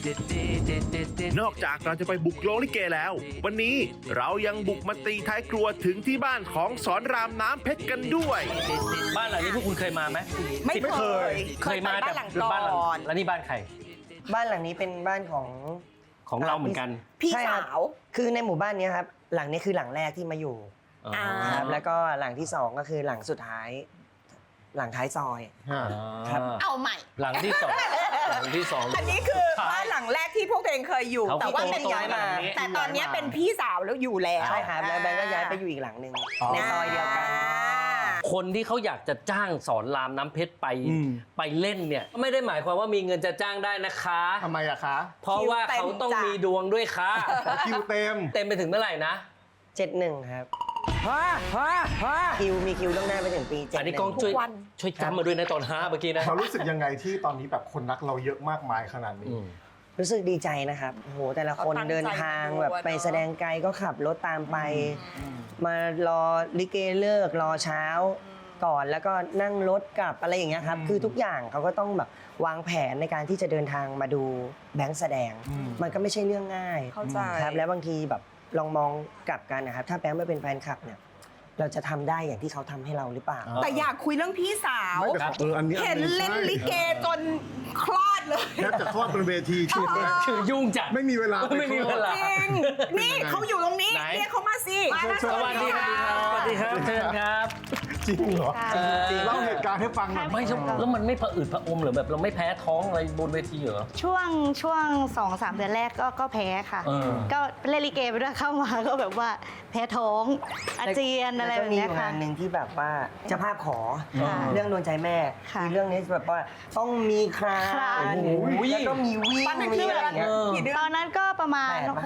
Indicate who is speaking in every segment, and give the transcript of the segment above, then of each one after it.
Speaker 1: นอกจากเราจะไปบุกโรงลิเกแล้ว วันนี้เรายังบุกมาตีท้ายครัวถึงที่บ้านของสอนรามน้ำเพชรกันด้วย
Speaker 2: บ้านหลังนี้พวกคุณเคยมาไหม
Speaker 3: ไม่เคย
Speaker 2: เคยมา
Speaker 3: บ้า
Speaker 2: แต่
Speaker 3: นหลัง
Speaker 2: บ้านหลั
Speaker 3: ก่อน
Speaker 2: แล้วนี่บ้านใคร
Speaker 4: บ้านหลังนี้เป็นบ้านของ
Speaker 2: ของเราเหมือนกัน
Speaker 3: พี่
Speaker 4: ใช่ค
Speaker 3: สา
Speaker 4: รับ
Speaker 3: ว
Speaker 4: คือในหมู่บ้านนี้ครับหลังนี้คือหลังแรกที่มาอยู่
Speaker 3: อ่า
Speaker 4: ครับแล้วก็หลังที่สองก็คือหลังสุดท้าย หลังท้ายซอย ครับ
Speaker 3: เอาใหม่
Speaker 2: หลังที่สองหลังที่สอง
Speaker 3: อันนี้คือบ้านหลังแรกที่พวกตัวเองเคยอยู่
Speaker 2: เขา
Speaker 3: แต่ว่าเป็น
Speaker 2: โตๆ
Speaker 3: ย้ายมา
Speaker 2: หลังนี้
Speaker 3: แต่ตอนนี้เป็นพี่สาวแล้วอยู่แล้ว
Speaker 4: ใช่ครับแล้วแบงก์ก็ย้ายไปอยู่อีกหลังหนึ่งในซอยเดียวกัน
Speaker 2: คนที่เขาอยากจะจ้างสอนรามน้ำเพชรไปเล่นเนี่ยไม่ได้หมายความว่ามีเงินจะจ้างได้นะคะ
Speaker 5: ทำไมอะคะ
Speaker 2: เพราะว่าเขาต้องมีดวงด้วยค่ะ
Speaker 5: คิวเต็ม
Speaker 2: เต็มไปถึงเมื่อไหร่นะ
Speaker 4: 71ครับมีคิวต้องหน้าไปถึงปี71
Speaker 2: อันนี้กล้องช่วยจำมาด้วยนะตอน5เมื่อกี้นะ
Speaker 5: เรารู้สึกยังไงที่ตอนนี้แบบคนรักเราเยอะมากมายขนาดนี้
Speaker 4: รู้สึกดีใจนะครับโอ้โหแต่ละคนเดินทางแบบไปแสดงไกลก็ขับรถตามไป มารอลิเกเลิกรอเช้าก่อนแล้วก็นั่งรถกลับอะไรอย่างเงี้ยครับคือทุกอย่างเขาก็ต้องแบบวางแผนในการที่จะเดินทางมาดูแบงค์แสดง มันก็ไม่ใช่เรื่องง่าย
Speaker 3: เข้าใจ
Speaker 4: ครับแล้วบางทีแบบลองมองกลับกันนะครับถ้าแบงค์ไม่เป็นแฟนคลับเนี่ยเราจะทำได้อย่างที่เขาทำให้เราหรือเปล่า
Speaker 3: แต่อยากคุยเรื่องพี่สาว
Speaker 5: ไม่แต่อันนี้
Speaker 3: เห็นเล่นลิเกจนคลอดเลย
Speaker 5: แทบจะคลอดบนเวทีคิว
Speaker 2: คือยุ่งจัด
Speaker 5: ไม่มีเวลา
Speaker 2: ไม่มีเวลา
Speaker 3: จริง นี่เขาอยู่ตรงนี้
Speaker 2: ไหน
Speaker 3: เรียกเขามาสิมานะ
Speaker 2: สวัสดีครับสวัสดีครับเชิญครับ
Speaker 5: จริงเหรอเล่าเหตุการณ์ให้ฟังหน่อย
Speaker 2: ไม่ใช่แล้วมันไม่ผะอืดผะอมหรือแบบเราไม่แพ้ท้องอะไรบนเวทีเหรอ
Speaker 6: ช่วง 2-3 เดือนแรกก็แพ้ค่ะ ก็เล่นลิเกไปด้วยเข้ามาก็แบบว่าแพ้ท้องอาเจียนอะไรแบบเนี้ย
Speaker 4: แล้วก็มีอยู่
Speaker 6: ค่ะ
Speaker 4: งานหนึ่งที่แบบว่าเจ้าภาพขอ
Speaker 6: ค่ะ
Speaker 4: เรื่องโดนใจแม่
Speaker 6: ค่ะ
Speaker 4: มีเรื่องนี้แบบว่าต้องมีคราน
Speaker 6: คราน
Speaker 4: แล้วก็มีวิ่ง
Speaker 3: ตอนนั้น
Speaker 4: มี
Speaker 3: คือ
Speaker 4: อะไรอย่างเงี้ย
Speaker 3: กี่เดือน
Speaker 6: ตอนนั้นก็ประมาณ
Speaker 4: แปดปะ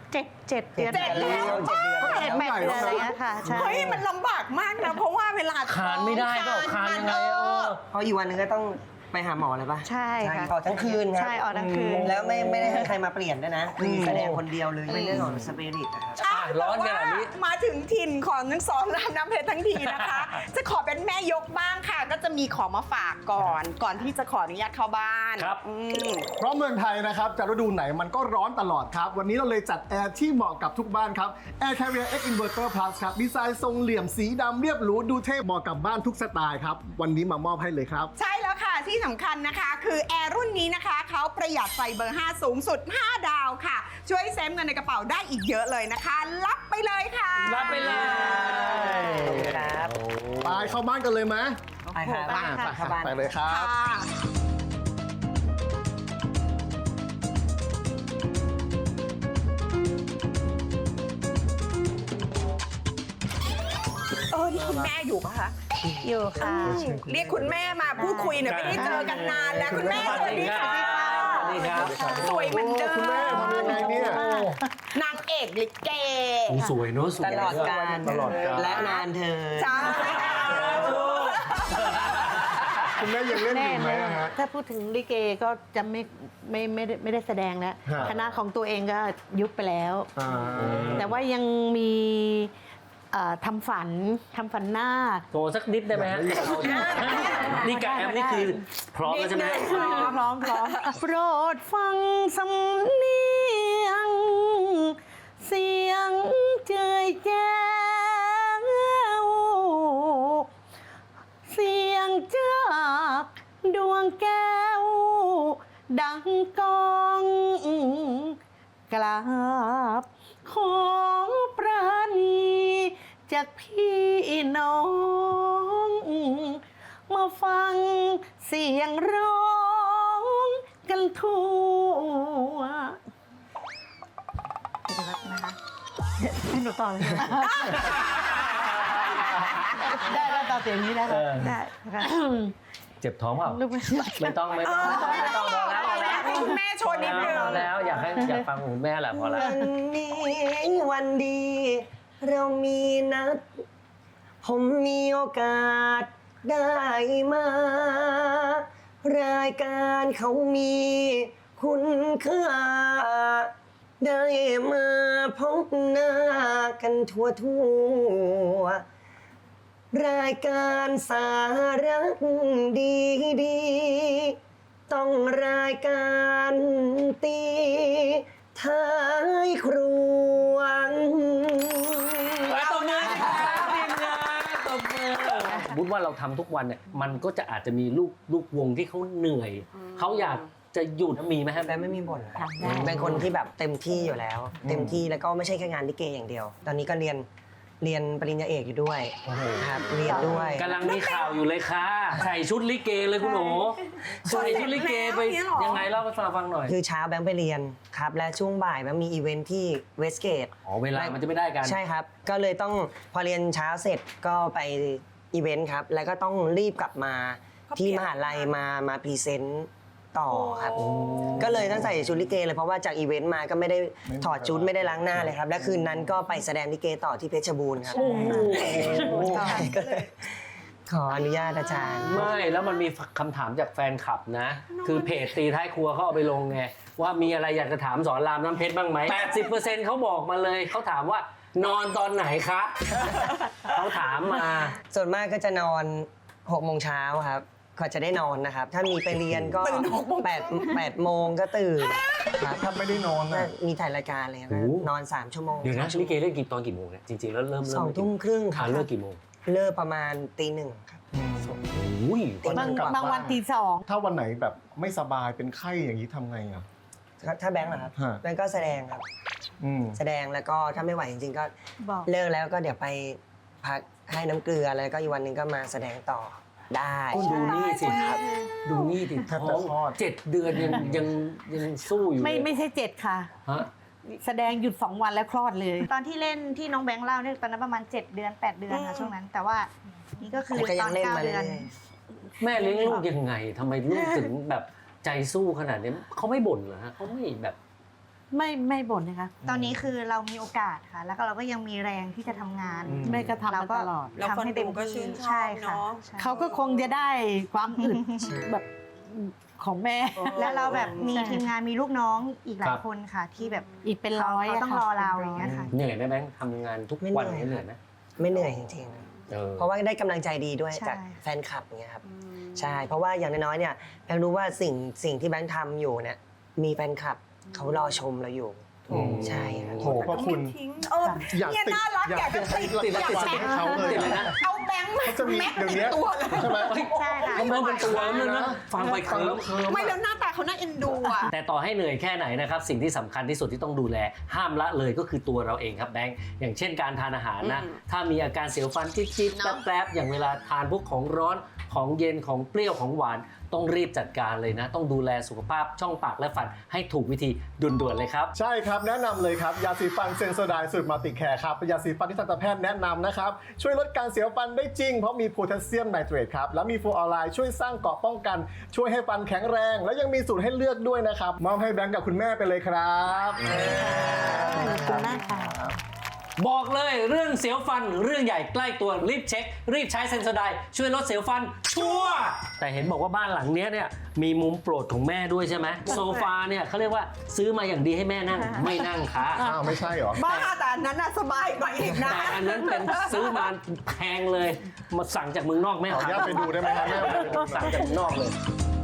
Speaker 6: 7 เดือน
Speaker 3: เจ็ดแล้ว
Speaker 6: 8 เดือนอะไรเงี้ยค่ะใช่
Speaker 3: เฮ้ยมันลำบากมากนะ เพราะว่าเวลา
Speaker 2: คานไม่ได้เปล่าคานยังไง
Speaker 4: เพราะอีกวันหนึงก็ต้องไปหาหมอเลยปะ
Speaker 6: ใช่ค่ะ
Speaker 4: ออกทั้งคืนครับ
Speaker 6: ใช่ออกทั้งคืน
Speaker 4: แล้วไม่ได้ให้ใครมาเปลี่ยนด้วยนะคือแสดงคนเดียวเลยเป็นเรื่องของสปิริตนะครับ
Speaker 2: ร้อนขนาดนี้
Speaker 3: มาถึงถิ่นของนักสอนรามน้ำเพชรทั้งทีนะคะ จะขอเป็นแม่ยกบ้างค่ะ ก็จะมีของมาฝากก่อนที่จะขออนุญาตเข้าบ้าน
Speaker 2: ครับ
Speaker 5: เพราะเมืองไทยนะครับจะฤดูไหนมันก็ร้อนตลอดครับ วันนี้เราเลยจัดแอร์ที่เหมาะกับทุกบ้านครับ Air Carrier X Inverter Plus ครับดีไซน์ทรงเหลี่ยมสีดำเรียบหรูดูเท่เหมาะกับบ้านทุกสไตล์ครับวันนี้มามอบให้เลยครับ
Speaker 3: ใช่แล้วค่ะที่สำคัญนะคะ คือแอร์รุ่นนี้นะคะเขาประหยัดไฟเบอร์ 5 สูงสุด 5 ดาวค่ะ ช่วยเซฟเงินในกระเป๋าได้อีกเยอะเลยนะคะ รับไปเลยค่ะ
Speaker 2: รับไปเลย
Speaker 4: ครับ
Speaker 5: ไปเข้าบ้านกันเลยไหม
Speaker 4: ไปครับ
Speaker 5: อ่า
Speaker 4: เข้าบ้าน
Speaker 5: ไปเลยครับ
Speaker 3: ค่ะนี่คุณแม่อยู่ปะคะ
Speaker 6: อยู่ค่ะ
Speaker 3: เรียกคุณแม่มาพูดคุยเนี่ยไม่ได้เจอกันนานแล้วคุณแม่สวัสดีค่ะ
Speaker 2: สวัสดีครับ
Speaker 3: สวยเหมือนเดิม
Speaker 5: คุณแม่ทำยังไงเนี่ย
Speaker 3: นางเอกลิเก
Speaker 2: สวยเนอะสวย
Speaker 4: ตลอดกาล
Speaker 5: ตลอดกาล
Speaker 4: และนานเธอ
Speaker 3: จ้า
Speaker 5: คุณแม่ยังเล่นอยู่ไหมอะฮะ
Speaker 6: ถ้าพูดถึงลิเกก็จะไม่ได้แสดงแล้ว
Speaker 5: ฮะ
Speaker 6: คณะของตัวเองก็ยุบไปแล้ว แต่ว่ายังมีทำฝันนาค
Speaker 2: โชว์สักนิดได้ไหมฮะนี่กับแอมนี่คือพร้อมแล้วใช่ไหม
Speaker 6: พร้อมโปรดฟังสำเนียง เสียงเจยแจ้วเสียงจากดวงแก้ว ดังกองกราบของปราณีจากพี่น้อง มาฟังเสียงร้องกันทั่วนะคะให้หนูต่อเลยได้ต่อเสียงนี้แล้วได้ค่ะ
Speaker 2: เจ็บท้องเปล่า
Speaker 6: ลูก
Speaker 2: ไม่ต้องพอแล้ว
Speaker 3: ให้คุณแม่โชว์นิดนึง
Speaker 2: พอแล้วอยากฟังคุณแม่แหละพอแล้ว
Speaker 4: วันนี้วันดี เรามีนัด ผมมีโอกาสได้มา รายการเขามีคุณค่า ได้มาพบหน้ากันทั่วรายการสาระดีต้องรายการตีท้ายครัว
Speaker 2: ตบมือสิครับทีมงานตบมือสมมติว่าเราทำทุกวันเนี่ยมันก็จะอาจจะมีลูกวงที่เขาเหนื่อยเขาอยากจะหยุดมีไหมครับ
Speaker 4: แบงค์ไม่มีบ่นครับ
Speaker 6: ได้
Speaker 4: เป็นคนที่แบบเต็มที่อยู่แล้ว เต็มที่แล้วก็ไม่ใช่แค่งานลิเกอย่างเดียว ตอนนี้ก็เรียนปริญญาเอกอยู่ด้วยครับเรียนด้วย
Speaker 2: กำลังมีข่าวอยู่เลยค่ะใส่ชุดลิเกเลยคุณหนูใส่ชุดลิเกไปยังไงเล่าให้ฟังหน่อย
Speaker 4: คือเช้าแบงค์ไปเรียนครับและช่วงบ่ายแบงค์มีอีเวนท์ที่เวสเกต
Speaker 2: อ๋อเวลามันจะไม่ได้กัน
Speaker 4: ใช่ครับก็เลยต้องพอเรียนเช้าเสร็จก็ไปอีเวนต์ครับแล้วก็ต้องรีบกลับมาที่มหาลัยมาพรีเซนต์ต่อครับก็เลยต้องใส่ชุดลิเกเลยเพราะว่าจากอีเวนต์มาก็ไม่ได้ถอดชุดไม่ได้ล้างหน้าเลยครับและคืนนั้นก็ไปแสดงลิเกต่อที่เพชรบูรณ์ครับก็เลยขออนุญาตอาจารย์
Speaker 2: ไม่แล้วมันมีคำถามจากแฟนคลับนะ คือเพจตีท้ายครัวเขาเอาไปลงไงว่ามีอะไรอยากจะถามสอนรามน้ำเพชรบ้างไหม 80% เขาบอกมาเลยเขาถามว่านอนตอนไหนคะเขาถามมา
Speaker 4: ส่วนมากก็จะนอน6 โมงเช้าครับกว่าจะได้นอนนะครับถ้ามีไปเรียนก็8 โมงก็ตื่นครับ
Speaker 5: ถ้าไม่ได้นอน
Speaker 4: ก็
Speaker 5: นะ
Speaker 4: มีถ่ายรายการเลยครับนอน3 ชั่วโมง
Speaker 2: เดี๋ยวนะลิเกเล่นกี่ตอนกี่โมงเนี่ยจริงๆแล้วเริ่ม
Speaker 4: 2 ทุ่มครึ่งค
Speaker 2: อ่า
Speaker 4: รับ
Speaker 2: เลิกกี่โมง
Speaker 4: เลิกประมาณตี 1ครับ
Speaker 2: อุ้ย
Speaker 6: บางวันตี 2
Speaker 5: ถ้าวันไหนแบบไม่สบายเป็นไข้อย่างนี้ทำไงอ่ะ
Speaker 4: ถ้าแบงค์เหรอครับ
Speaker 5: ฮะ
Speaker 4: แบงค์ก็แสดงครับ
Speaker 5: อืม
Speaker 4: แสดงแล้วก็ถ้าไม่ไหวจริงๆก็
Speaker 6: บอก
Speaker 4: เลิกแล้วก็เดี๋ยวไปพักให้น้ำเกลือแล้วก็อีกวันหนึ่งก็มาแสดงต่อได้
Speaker 2: ก็ดูนี่สิครับดูนี่ดิ
Speaker 5: แทบ
Speaker 2: ท้
Speaker 5: จะ
Speaker 2: อง
Speaker 5: คลอด
Speaker 2: 7 เดือนยังสู้อยู่
Speaker 6: ไม่ใช่ 7 ค่ะ
Speaker 2: ฮะ
Speaker 6: แสดงหยุด 2 วันแล้วคลอดเลย
Speaker 7: ตอนที่เล่นที่น้องแบงค์เล่าเนี่ยตอนนั้นประมาณ 7 เดือน 8 เดือนค่ะช่วงนั้น แต่ว่านี่ก็คือ
Speaker 4: แต่ก็
Speaker 7: ต
Speaker 4: ยั
Speaker 7: อง น
Speaker 4: เล่น
Speaker 7: 9
Speaker 4: มา
Speaker 7: เดื
Speaker 4: เรื่
Speaker 7: อ
Speaker 4: อน ย
Speaker 2: แม่เลี้ยงลูกยังไงทำไมลูกถึงแบบใจสู้ขนาดนี้เขาไม่บ่นเหรอฮะเขาไม่แบบ
Speaker 6: ไม่บ่นนะคะ
Speaker 7: ตอนนี้คือเรามีโอกาสค่ะ แล้วก็เราก็ยังมีแรงที่จะทำงาน
Speaker 6: แม่ก็ทำ
Speaker 7: เรา
Speaker 6: มา
Speaker 7: ก็
Speaker 6: ตลอด
Speaker 3: แล้วคน
Speaker 7: ทำให้เต็ม
Speaker 3: ดูก็
Speaker 7: ที่
Speaker 3: ชื่นชอบ
Speaker 7: ใช่ค่ะ
Speaker 3: เนอะ
Speaker 7: ใช่
Speaker 6: เขาก็คงจะได้ความอึดแบบของแม่
Speaker 7: แล้วเราแบบมี
Speaker 6: ใช่
Speaker 7: ทีมงานมีลูกน้องอีกหลา
Speaker 2: ครั
Speaker 7: ย
Speaker 2: บ
Speaker 7: คนค่ะ ที่แบบ
Speaker 6: อีกเป็นร้อย
Speaker 7: เขา
Speaker 6: อะ
Speaker 7: ต้อง
Speaker 6: ค่ะ
Speaker 7: รอเรา
Speaker 6: ป็น
Speaker 7: อย่างเงี้ยค่ะ
Speaker 2: เหนื่อยไหมแบงค์ทำงานทุกวัน
Speaker 4: ไม่เหนื่อย
Speaker 2: เหนื่อยไหม
Speaker 4: ไม่เหนื่อยจริง
Speaker 2: เออ
Speaker 4: ๆเพราะว่าได้กำลังใจดีด้วย
Speaker 7: ใช่
Speaker 4: จากแฟนคลับอย่างเงี้ยครับใช่เพราะว่าอย่างน้อยๆเนี่ยแบงค์รู้ว่าสิ่งที่แบงค์ทำอยู่เนี่ยมีแฟนคลับเขารอชมเราอยู่
Speaker 2: อืม
Speaker 4: ใช่ครับ
Speaker 5: โหพระคุณ
Speaker 3: ทิ้ง
Speaker 5: อยาก
Speaker 3: เนี่ย
Speaker 5: ติด
Speaker 3: น่ารักอยากจะติด
Speaker 2: ติด
Speaker 3: อยาก
Speaker 2: ติด
Speaker 3: แบงค์
Speaker 5: เขาเลย
Speaker 2: ติดเลยนะ
Speaker 3: เอาแบงค์มา
Speaker 5: เขาจะมี
Speaker 3: แม็ก
Speaker 5: เดี๋ยว
Speaker 3: ติ
Speaker 5: นี้
Speaker 3: ดตัวเลย
Speaker 5: ใช่ไหม
Speaker 7: ใช่ค่ะ
Speaker 2: เขาเริ่มเป็นตัวแล้วนะฟังไปเคิร์ม
Speaker 3: ไม่แล้วหน้าตาเขาน่าเอ็นดูอ่ะ
Speaker 2: แต่ต่อให้เหนื่อยแค่ไหนนะครับสิ่งที่สำคัญที่สุดที่ต้องดูแลห้ามละเลยก็คือตัวเราเองครับแบงค์อย่างเช่นการทานอาหารนะถ้ามีอาการเสียวฟันจิ๊บๆแป๊บๆอย่างเวลาทานพวกของร้อนของเย็นของเปรี้ยวของหวานต้องรีบจัดการเลยนะ ต้องดูแลสุขภาพช่องปากและฟันให้ถูกวิธีด่วนๆเลยครับ
Speaker 5: ใช่ครับแนะนำเลยครับยาสีฟันเซนโซไดสูตรมัลติแคร์ครับเป็นยาสีฟันที่ทันตแพทย์แนะนำนะครับช่วยลดการเสียวฟันได้จริงเพราะมีโพแทสเซียมไนเตรตครับแล้วมีฟลูออไรด์ช่วยสร้างเกราะป้องกันช่วยให้ฟันแข็งแรง แล้วยังมีสูตรให้เลือกด้วยนะครับมอบให้แบงค์กับคุณแม่ไปเลยครับ
Speaker 6: ขอบคุณมากค่ะ
Speaker 2: บอกเลยเรื่องเสียวฟันเรื่องใหญ่ใกล้ตัวรีบเช็ค รีบใช้เซนโซไดช่วยลดเสียวฟันชัวร์แต่เห็นบอกว่าบ้านหลังเนี้ยเนี่ยมีมุมโปรดของแม่ด้วยใช่ไหมโซฟาเนี่ยเขาเรียกว่าซื้อมาอย่างดีให้แม่นั่งไม่นั่งค่ะ
Speaker 5: อ้าวไม่ใช่เหรอ
Speaker 3: บ้าแต่อันนั้นน่ะสบายกว่าอีกนะ
Speaker 2: แต่อันนั้นเป็นซื้อมาแพงเลยมาสั่งจากเมืองนอกแม่
Speaker 5: ขออนุญาตไปดูได้ไหมครับแม่ไปดูหน่อย
Speaker 2: สั่งจากเมืองนอกเลย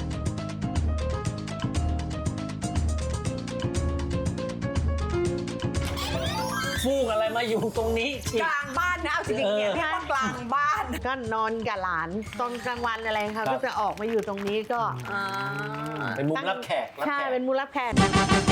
Speaker 2: ฟูกอะไรมาอยู่ตรงนี้อี
Speaker 3: ก
Speaker 2: ก
Speaker 3: ลางบ้านนะเอาจริงๆเนี่ยเรียกว่ากลางบ้าน
Speaker 6: ก็นอนกับหลานตอนกลางวันอะไร
Speaker 2: ครั
Speaker 6: ค่ะ
Speaker 2: บ
Speaker 6: ก็จะออกมาอยู่ตรงนี้ก็
Speaker 2: เป็นมุมรับแขก
Speaker 6: ใช่เป็นมูลรับแขก